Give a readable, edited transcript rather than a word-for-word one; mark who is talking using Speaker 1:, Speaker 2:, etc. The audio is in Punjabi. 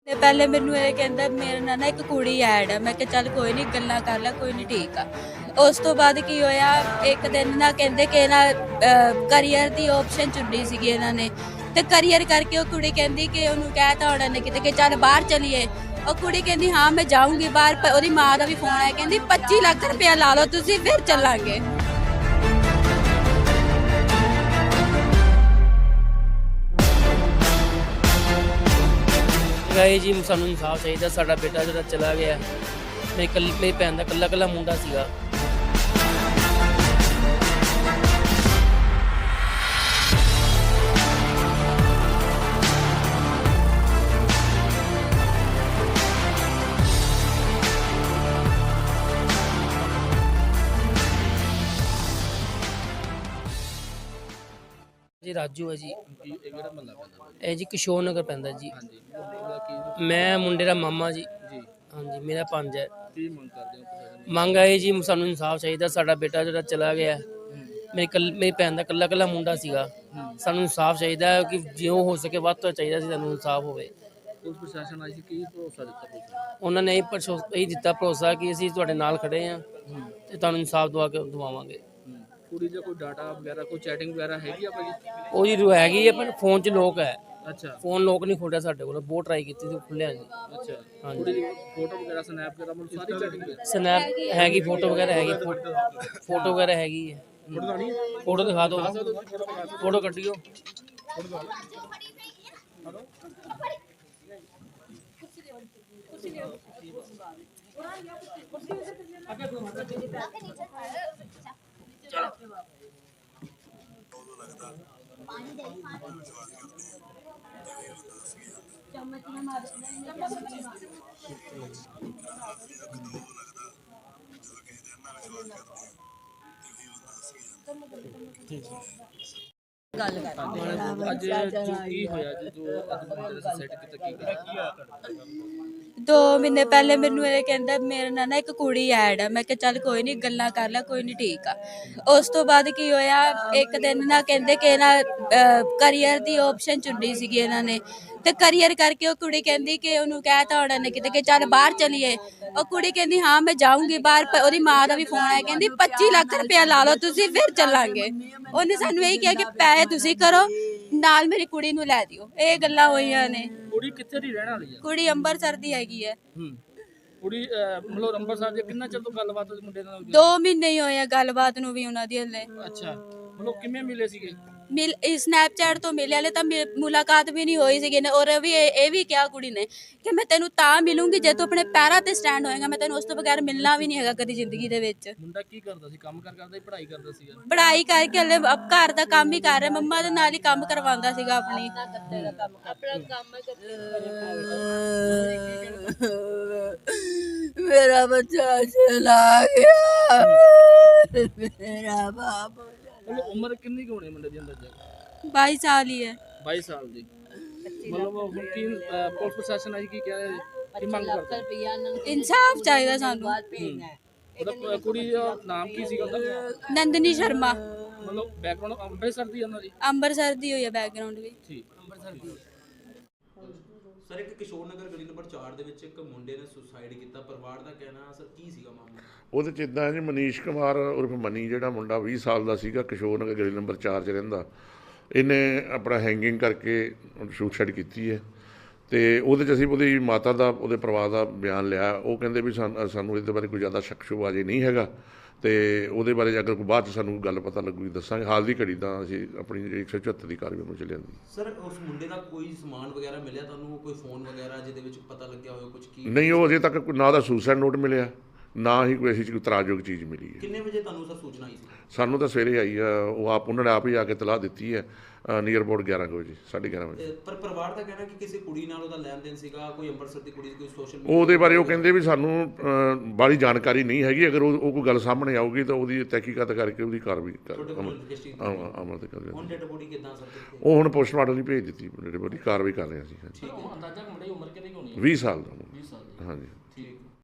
Speaker 1: ਪਹਿਲੇ ਮੈਨੂੰ ਇਹ ਕਹਿੰਦਾ ਮੇਰੇ ਨਾਲ ਨਾ ਇੱਕ ਕੁੜੀ ਐਡ ਹੈ। ਮੈਂ ਕਿਹਾ ਚੱਲ ਕੋਈ ਨਹੀਂ, ਗੱਲਾਂ ਕਰ ਲੈ, ਕੋਈ ਨਹੀਂ, ਠੀਕ ਆ। ਉਸ ਤੋਂ ਬਾਅਦ ਕੀ ਹੋਇਆ, ਇੱਕ ਦਿਨ ਨਾ ਕਹਿੰਦੇ ਕਿ ਨਾ ਕਰੀਅਰ ਦੀ ਆਪਸ਼ਨ ਚੁਣੀ ਸੀਗੀ ਇਹਨਾਂ ਨੇ, ਤੇ ਕਰੀਅਰ ਕਰਕੇ ਉਹ ਕੁੜੀ ਕਹਿੰਦੀ ਕਿ ਉਹਨੂੰ ਕਹਿਤਾ ਉਹਨਾਂ ਨੇ ਕਿਤੇ ਕਿ ਚੱਲ ਬਾਹਰ ਚਲੀਏ। ਉਹ ਕੁੜੀ ਕਹਿੰਦੀ ਹਾਂ ਮੈਂ ਜਾਊਂਗੀ ਬਾਹਰ। ਉਹਦੀ ਮਾਂ ਦਾ ਵੀ ਫੋਨ ਆਇਆ, ਕਹਿੰਦੀ 25 ਲੱਖ ਰੁਪਇਆ ਲਾ ਲਓ ਤੁਸੀਂ, ਫਿਰ ਚੱਲਾਂਗੇ।
Speaker 2: ਗਏ ਜੀ, ਸਾਨੂੰ ਇਨਸਾਫ ਚਾਹੀਦਾ। ਸਾਡਾ ਬੇਟਾ ਜਿਹੜਾ ਚਲਾ ਗਿਆ, ਮੇਰੀ ਭੈਣ ਦਾ ਇਕੱਲਾ ਮੁੰਡਾ ਸੀਗਾ। ਜੀ ਰਾਜੂ ਹੈ ਜੀ। ਇਹ ਜੀ ਕਿਸ਼ੋਰ ਨਗਰ ਪੈਂਦਾ ਜੀ। ਮੈਂ ਮੁੰਡੇ ਦਾ ਮਾਮਾ ਜੀ। ਹਾਂਜੀ, ਮੇਰਾ ਪੰਜ ਹੈ। ਮੰਗ ਆਏ ਜੀ, ਸਾਨੂੰ ਇਨਸਾਫ ਚਾਹੀਦਾ। ਸਾਡਾ ਬੇਟਾ ਜਿਹੜਾ ਚਲਾ ਗਿਆ, ਮੇਰੀ ਭੈਣ ਦਾ ਇਕੱਲਾ ਮੁੰਡਾ ਸੀਗਾ। ਸਾਨੂੰ ਇਨਸਾਫ ਚਾਹੀਦਾ ਕਿ ਜਿਉਂ ਹੋ ਸਕੇ ਵੱਧ ਤੋਂ ਚਾਹੀਦਾ ਸੀ ਸਾਨੂੰ ਇਨਸਾਫ ਹੋਵੇ।
Speaker 3: ਪੁਲਿਸ ਪ੍ਰਸ਼ਾਸਨ ਆਈ ਸੀ, ਕੀ ਭਰੋਸਾ ਦਿੱਤਾ?
Speaker 2: ਉਹਨਾਂ ਨੇ ਇਹ ਦਿੱਤਾ ਭਰੋਸਾ ਕਿ ਅਸੀਂ ਤੁਹਾਡੇ ਨਾਲ ਖੜੇ ਹਾਂ ਤੇ ਤੁਹਾਨੂੰ ਇਨਸਾਫ ਦਵਾਵਾਂਗੇ।
Speaker 3: ਕੁੜੀ ਦਾ ਕੋਈ ਡਾਟਾ ਵਗੈਰਾ, ਕੋਈ ਚੈਟਿੰਗ ਵਗੈਰਾ ਹੈਗੀ ਆ ਭਾਜੀ?
Speaker 2: ਉਹ ਜੀ ਹੈਗੀ ਹੈ, ਪਰ ਫੋਨ 'ਚ ਲੋਕ ਹੈ।
Speaker 3: ਅੱਛਾ,
Speaker 2: ਫੋਨ ਲੋਕ ਨਹੀਂ ਖੋਲਿਆ ਸਾਡੇ ਕੋਲ, ਬਹੁਤ ਟਰਾਈ ਕੀਤੀ ਸੀ, ਖੁੱਲਿਆ ਜੀ।
Speaker 3: ਅੱਛਾ,
Speaker 2: ਹਾਂਜੀ।
Speaker 3: ਕੁੜੀ ਦੀ ਫੋਟੋ ਵਗੈਰਾ, ਸਨੈਪ ਵਗੈਰਾ, ਮਤਲਬ ਸਾਰੀ ਚੈਟਿੰਗ
Speaker 2: ਸਨੈਪ ਹੈਗੀ, ਫੋਟੋ ਵਗੈਰਾ ਹੈਗੀ, ਫੋਟੋ ਵਗੈਰਾ ਹੈਗੀ ਹੈ। ਫੋਟੋ ਦਿਖਾ ਦਿਓ, ਫੋਟੋ ਕੱਢਿਓ।
Speaker 3: ਅੱਜ ਜੋ ਕੀ ਹੋਇਆ ਜੀ, ਜੋ ਅੱਜ ਮੁੰਡੇ ਨੇ ਸੁਸਾਈਡ ਕੀਤਾ, ਕੀ ਹੋਇਆ?
Speaker 1: 2 ਮਹੀਨੇ ਪਹਿਲੇ ਮੈਨੂੰ ਇਹ ਕਹਿੰਦਾ ਮੇਰੇ ਨਾਲ ਨਾ ਇੱਕ ਕੁੜੀ ਐਡ ਹੈ। ਮੈਂ ਕਿਹਾ ਚੱਲ ਕੋਈ ਨਹੀਂ, ਗੱਲਾਂ ਕਰ ਲੈ, ਕੋਈ ਨਹੀਂ, ਠੀਕ ਆ। ਉਸ ਤੋਂ ਬਾਅਦ ਕੀ ਹੋਇਆ, ਇੱਕ ਦਿਨ ਨਾ ਕਹਿੰਦੇ ਕਿ ਨਾ ਕਰੀਅਰ ਦੀ ਆਪਸ਼ਨ ਚੁਣੀ ਸੀਗੀ ਇਹਨਾਂ ਨੇ, ਤੇ ਕਰੀਅਰ ਕਰਕੇ ਉਹ ਕੁੜੀ ਕਹਿੰਦੀ ਕਿ ਉਹਨੂੰ ਕਹਿਤਾ ਉਹਨਾਂ ਨੇ ਕਿਤੇ ਕਿ ਚੱਲ ਬਾਹਰ ਚਲੀਏ। ਉਹ ਕੁੜੀ ਕਹਿੰਦੀ ਹਾਂ ਮੈਂ ਜਾਊਂਗੀ ਬਾਹਰ। ਉਹਦੀ ਮਾਂ ਦਾ ਵੀ ਫੋਨ ਆਇਆ, ਕਹਿੰਦੀ 25 ਲੱਖ ਰੁਪਇਆ ਲਾ ਲਓ ਤੁਸੀਂ, ਫਿਰ ਚੱਲਾਂਗੇ। ਉਹਨੇ ਸਾਨੂੰ ਇਹ ਕਿਹਾ ਕਿ ਪੈਸੇ ਤੁਸੀਂ ਕਰੋ, ਨਾਲ ਮੇਰੀ ਕੁੜੀ ਨੂੰ ਲੈ ਦਿਓ। ਇਹ ਗੱਲਾਂ ਹੋਈਆਂ ਨੇ।
Speaker 3: ਕੁੜੀ ਕਿੱਥੇ ਦੀ ਰਹਿਣ ਵਾਲੀ ਹੈ?
Speaker 1: ਕੁੜੀ ਅੰਮ੍ਰਿਤਸਰ ਦੀ ਹੈਗੀ ਹੈ।
Speaker 3: ਕੁੜੀ ਮਤਲਬ ਅੰਮ੍ਰਿਤਸਰ ਦੇ ਕਿੰਨਾ ਚਿਰ ਤੋਂ ਗੱਲਬਾਤ ਮੁੰਡੇ ਨਾਲ?
Speaker 1: 2 ਮਹੀਨੇ ਹੀ ਹੋਏ ਆ ਗੱਲਬਾਤ ਨੂੰ ਵੀ ਉਹਨਾਂ ਦੀ ਹਲੇ।
Speaker 3: ਅੱਛਾ, ਮਤਲਬ ਕਿਵੇਂ ਮਿਲੇ ਸੀਗੇ?
Speaker 1: ਸਨੈਪਚੈਟ ਤੋਂ ਮਿਲੇ, ਹਲੇ ਤਾਂ ਮੁਲਾਕਾਤ ਵੀ ਨਹੀਂ ਹੋਈ ਸੀਗੀ। ਔਰ ਇਹ ਵੀ ਕਿਹਾ ਕੁੜੀ ਨੇ ਕਿ ਮੈਂ ਤੈਨੂੰ ਤਾਂ ਮਿਲੂੰਗੀ ਜੇ ਤੂੰ ਆਪਣੇ ਪੈਰਾਂ ਤੇ ਸਟੈਂਡ ਹੋਏਗਾ, ਮੈਂ ਤੈਨੂੰ ਉਸ ਤੋਂ ਬਗੈਰ ਮਿਲਣਾ ਵੀ ਨਹੀਂ ਹੈਗਾ ਕਦੀ ਜ਼ਿੰਦਗੀ ਦੇ ਵਿੱਚ।
Speaker 3: ਮੁੰਡਾ ਕੀ ਕਰਦਾ ਸੀ? ਕੰਮ ਕਰਦਾ ਸੀ, ਪੜ੍ਹਾਈ ਕਰਦਾ ਸੀਗਾ?
Speaker 1: ਪੜ੍ਹਾਈ ਕਰਕੇ ਹਲੇ ਘਰ ਦਾ ਕੰਮ ਹੀ ਕਰ ਰਿਹਾ, ਮੰਮਾ ਦੇ ਨਾਲ ਹੀ ਕੰਮ ਕਰਵਾਉਂਦਾ ਸੀਗਾ ਆਪਣੀ।
Speaker 4: ਮੇਰਾ ਬੱਚਾ ਚਲਾ ਗਿਆ, ਮੇਰਾ ਬਾਪ।
Speaker 3: ਉਮਰ ਕਿੰਨੀ ਕੁ ਹੋਣੀ ਮੁੰਡੇ ਦੀ ਅੰਦਰ?
Speaker 1: 22 ਸਾਲ ਹੀ ਹੈ।
Speaker 3: 22 ਸਾਲ ਦੀ। ਮਤਲਬ ਹੁਣ ਕੀ ਪੁਲਿਸ ਪ੍ਰਸ਼ਾਸਨ ਆਈ, ਕੀ ਕਹਿ ਰਿਹਾ, ਕੀ ਮੰਗ ਕਰਦਾ?
Speaker 1: ਇਨਸਾਫ ਚਾਹੀਦਾ ਸਾਨੂੰ।
Speaker 3: ਉਹਦਾ ਕੁੜੀ ਦਾ ਨਾਮ ਕੀ ਸੀਗਾ ਉਹਦਾ?
Speaker 1: ਨੰਦਨੀ ਸ਼ਰਮਾ।
Speaker 3: ਮਤਲਬ ਬੈਕਗ੍ਰਾਉਂਡ ਅੰਮ੍ਰਿਤਸਰ ਦੀ ਉਹਨਾਂ ਦੀ?
Speaker 1: ਅੰਮ੍ਰਿਤਸਰ ਦੀ ਹੋਈ ਹੈ ਬੈਕਗ੍ਰਾਉਂਡ ਵੀ।
Speaker 3: ਠੀਕ, ਅੰਮ੍ਰਿਤਸਰ ਦੀ।
Speaker 5: ਸਰ, ਇੱਕ ਕਿਸ਼ੋਰ ਨਗਰ ਗਲੀ ਨੰਬਰ 4 ਦੇ ਵਿੱਚ ਇੱਕ ਮੁੰਡੇ ਨੇ ਸੁਸਾਈਡ ਕੀਤਾ। ਪਰਿਵਾਰ ਦਾ ਕਹਿਣਾ, ਸਰ ਕੀ ਸੀਗਾ ਮਾਮਲਾ?
Speaker 6: ਉਹਦੇ 'ਚ ਇੱਦਾਂ ਜੀ, ਮਨੀਸ਼ ਕੁਮਾਰ ਉਰਫ ਮਨੀ, ਜਿਹੜਾ ਮੁੰਡਾ 20 ਸਾਲ ਦਾ ਸੀਗਾ, ਕਿਸ਼ੋਰ ਨਗਰ ਗਲੀ ਨੰਬਰ 4 'ਚ ਰਹਿੰਦਾ, ਇਹਨੇ ਆਪਣਾ ਹੈਂਗਿੰਗ ਕਰਕੇ ਸੁਸਾਈਡ ਕੀਤੀ ਹੈ। ਅਤੇ ਉਹਦੇ 'ਚ ਅਸੀਂ ਉਹਦੀ ਮਾਤਾ ਦਾ, ਉਹਦੇ ਪਰਿਵਾਰ ਦਾ ਬਿਆਨ ਲਿਆ। ਉਹ ਕਹਿੰਦੇ ਵੀ ਸਾਨੂੰ ਇਹਦੇ ਬਾਰੇ ਕੋਈ ਜ਼ਿਆਦਾ ਸ਼ੱਕ ਸ਼ੁਬਾ ਅਜੇ ਨਹੀਂ ਹੈਗਾ, ਅਤੇ ਉਹਦੇ ਬਾਰੇ ਅਗਰ ਕੋਈ ਬਾਅਦ 'ਚ ਸਾਨੂੰ ਗੱਲ ਪਤਾ ਲੱਗੂਗੀ ਦੱਸਾਂਗੇ। ਹਾਲ ਦੀ ਘੜੀ ਤਾਂ ਅਸੀਂ ਆਪਣੀ 174 ਦੀ ਕਾਰਵਾਈ ਨੂੰ ਚੱਲਿਆ ਜਾਂਦੀ।
Speaker 5: ਸਰ, ਉਸ ਮੁੰਡੇ ਦਾ ਕੋਈ ਸਮਾਨ ਵਗੈਰਾ ਮਿਲਿਆ ਤੁਹਾਨੂੰ, ਕੋਈ ਫੋਨ ਵਗੈਰਾ ਜਿਹਦੇ ਵਿੱਚ ਪਤਾ ਲੱਗਿਆ ਹੋਵੇ ਕੁਝ? ਕੀ
Speaker 6: ਨਹੀਂ, ਉਹ ਅਜੇ ਤੱਕ ਨਾ ਦਾ ਸੁਸਾਈਡ ਨੋਟ ਮਿਲਿਆ, ਨਾ ਹੀ ਕੋਈ ਐਸੀ ਕੋਈ ਤਰਾਜਯੋਗ ਚੀਜ਼ ਮਿਲੀ ਹੈ।
Speaker 5: ਕਿੰਨੇ ਵਜੇ ਤੁਹਾਨੂੰ ਸਰ ਸੂਚਨਾ ਆਈ ਸੀ?
Speaker 6: ਸਾਨੂੰ ਤਾਂ ਸਵੇਰੇ ਆਈ ਆ, ਉਹਨਾਂ ਨੇ ਆਪ ਹੀ ਆ ਕੇ ਤਲਾਹ ਦਿੱਤੀ ਹੈ, ਨੀਅਰ ਅਬਾਊਟ 11 ਵਜੇ, 11:30 ਵਜੇ।
Speaker 5: ਪਰ ਪਰਿਵਾਰ ਦਾ ਕਹਿਣਾ ਕਿ ਕਿਸੇ ਕੁੜੀ ਨਾਲ ਉਹਦਾ ਲੈਣ ਦੇਣ ਸੀਗਾ, ਕੋਈ ਅੰਮ੍ਰਿਤਸਰ ਦੀ ਕੁੜੀ, ਕੋਈ ਸੋਸ਼ਲ ਮੀਡੀਆ।
Speaker 6: ਉਹਦੇ ਬਾਰੇ ਉਹ ਕਹਿੰਦੇ ਵੀ ਸਾਨੂੰ ਬਾਹਲੀ ਜਾਣਕਾਰੀ ਨਹੀਂ ਹੈਗੀ। ਅਗਰ ਉਹ ਕੋਈ ਗੱਲ ਸਾਹਮਣੇ ਆਊਗੀ ਤਾਂ ਉਹਦੀ ਤਹਿਕੀਕਾਤ ਕਰਕੇ ਉਹਦੀ ਕਾਰਵਾਈ ਅਮਲ ਤੇ ਕਰ
Speaker 5: ਹੁਣ ਡੈਡ ਬੋਡੀ ਕਿੱਦਾਂ ਸਰ?
Speaker 6: ਉਹ ਹੁਣ ਪੋਸਟਮਾਰਟਮ ਲਈ ਭੇਜ ਦਿੱਤੀ, ਡੈਡ ਬੋਡੀ ਕਾਰਵਾਈ ਕਰ ਰਹੇ ਸੀ।
Speaker 3: ਅੰਦਾਜ਼ਾ ਮੁੰਡੇ ਦੀ ਉਮਰ ਕਿੰਨੀ ਹੋਣੀ ਹੈ?
Speaker 6: 20 ਸਾਲ ਦਾ।
Speaker 3: 20 ਸਾਲ ਦੀ।
Speaker 6: ਹਾਂਜੀ।